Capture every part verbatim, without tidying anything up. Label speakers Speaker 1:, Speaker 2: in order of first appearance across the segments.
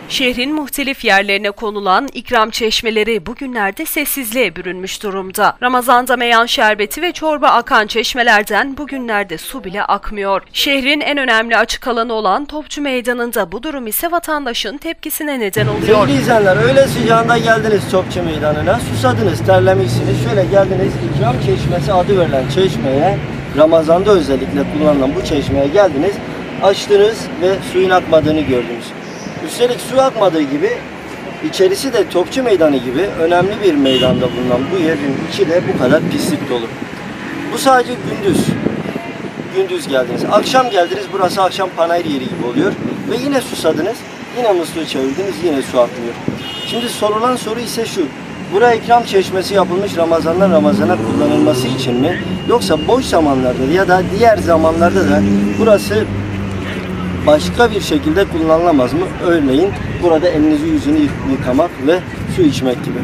Speaker 1: Şehrin muhtelif yerlerine konulan ikram çeşmeleri bugünlerde sessizliğe bürünmüş durumda. Ramazan'da meyan şerbeti ve çorba akan çeşmelerden bugünlerde su bile akmıyor. Şehrin en önemli açık alanı olan Topçu Meydanı'nda bu durum ise vatandaşın tepkisine neden oluyor.
Speaker 2: Sevgili izleyenler, öğle sıcağında geldiniz Topçu Meydanı'na, susadınız, terlemişsiniz. Şöyle geldiniz, ikram çeşmesi adı verilen çeşmeye, Ramazan'da özellikle kullanılan bu çeşmeye geldiniz, açtınız ve suyun akmadığını gördünüz. Üstelik su akmadığı gibi içerisi de Topçu Meydanı gibi önemli bir meydanda bulunan bu yerin içi de bu kadar pislik dolu. Bu sadece gündüz. Gündüz geldiniz. Akşam geldiniz, burası akşam panayır yeri gibi oluyor. Ve yine susadınız, yine musluğu çevirdiniz, yine su akmıyor. Şimdi sorulan soru ise şu: buraya ikram çeşmesi yapılmış Ramazan'dan Ramazan'a kullanılması için mi? Yoksa boş zamanlarda ya da diğer zamanlarda da burası başka bir şekilde kullanılamaz mı? Örneğin burada elinizi yüzünü yıkamak ve su içmek gibi.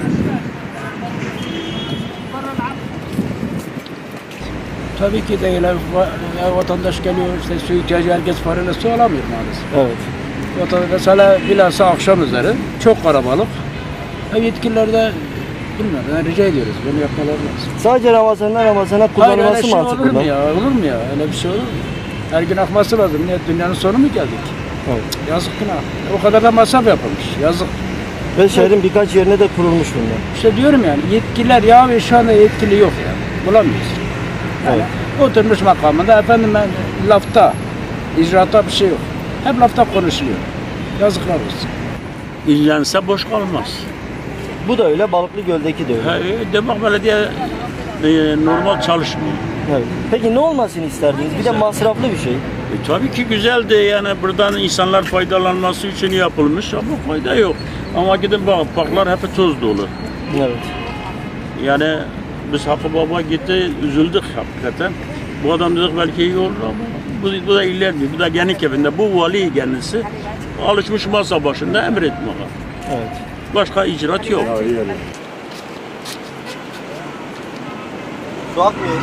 Speaker 3: Tabii ki değil. Vatandaş geliyor, işte su ihtiyacı, herkes parayla su alamıyor maalesef.
Speaker 2: Evet.
Speaker 3: Vatandaş mesela bilhassa akşam üzeri çok kalabalık. Yetkililer de bilmiyorum, yani rica ediyoruz, bunu yapmaları lazım.
Speaker 2: Sadece Ramazan'dan Ramazan'a kullanılması
Speaker 3: şey
Speaker 2: mantıklı
Speaker 3: olur
Speaker 2: mı?
Speaker 3: mu ya? Olur mu ya? Öyle bir şey olur mu? Her gün akması lazım. Niye? Dünyanın sonu mu geldik?
Speaker 2: Evet.
Speaker 3: Yazık günah. O kadar da masraf yapılmış. Yazık.
Speaker 2: Ve şehrin birkaç yerine de kurulmuş bunlar.
Speaker 3: İşte diyorum yani, yetkililer ya ve şu anda yetkili yok ya. Bulamıyoruz. Yani evet. Oturmuş makamında efendim ben lafta, icraata bir şey yok. Hep lafta konuşuluyor. Yazıklar olsun.
Speaker 4: İlgilense boş kalmaz.
Speaker 2: Bu da öyle, Balıklı Göl'deki de öyle.
Speaker 4: Ha, Demek belediye e, normal çalışmıyor.
Speaker 2: Evet. Peki ne olmasını isterdiniz? Bir de masraflı bir şey.
Speaker 4: E, tabii ki güzeldi, yani buradan insanlar faydalanması için yapılmış ama fayda yok. Ama gidin bak, parklar hep toz dolu.
Speaker 2: Evet.
Speaker 4: Yani biz Hakkı Baba gitti, üzüldük hakikaten. Bu adam dedik belki iyi olur ama bu, bu da ilerliyor. Bu da kendi evinde, bu vali kendisi alışmış masa başında emretmeye.
Speaker 2: Evet.
Speaker 4: Başka icraat yok.
Speaker 2: Su akmıyor.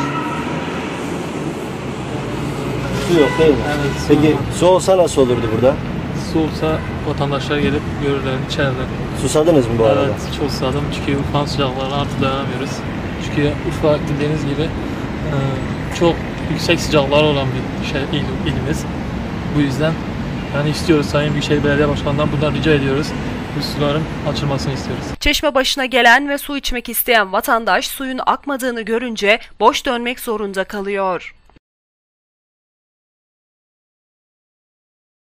Speaker 2: Su yok değil mi?
Speaker 5: Evet, su
Speaker 2: Peki
Speaker 5: yok.
Speaker 2: su olsa nasıl olurdu burada?
Speaker 5: Su olsa vatandaşlar gelip görürler, içerler.
Speaker 2: Susadınız mı bu arada?
Speaker 5: Evet, çok susadım çünkü Urfa'nın sıcaklarına artık dayanamıyoruz. Çünkü Urfa bildiğiniz gibi e, çok yüksek sıcaklar olan bir şey il, ilimiz. Bu yüzden yani istiyoruz, Sayın Büyükşehir Belediye Başkanı'ndan bundan rica ediyoruz. Bu suların açılmasını istiyoruz.
Speaker 1: Çeşme başına gelen ve su içmek isteyen vatandaş suyun akmadığını görünce boş dönmek zorunda kalıyor.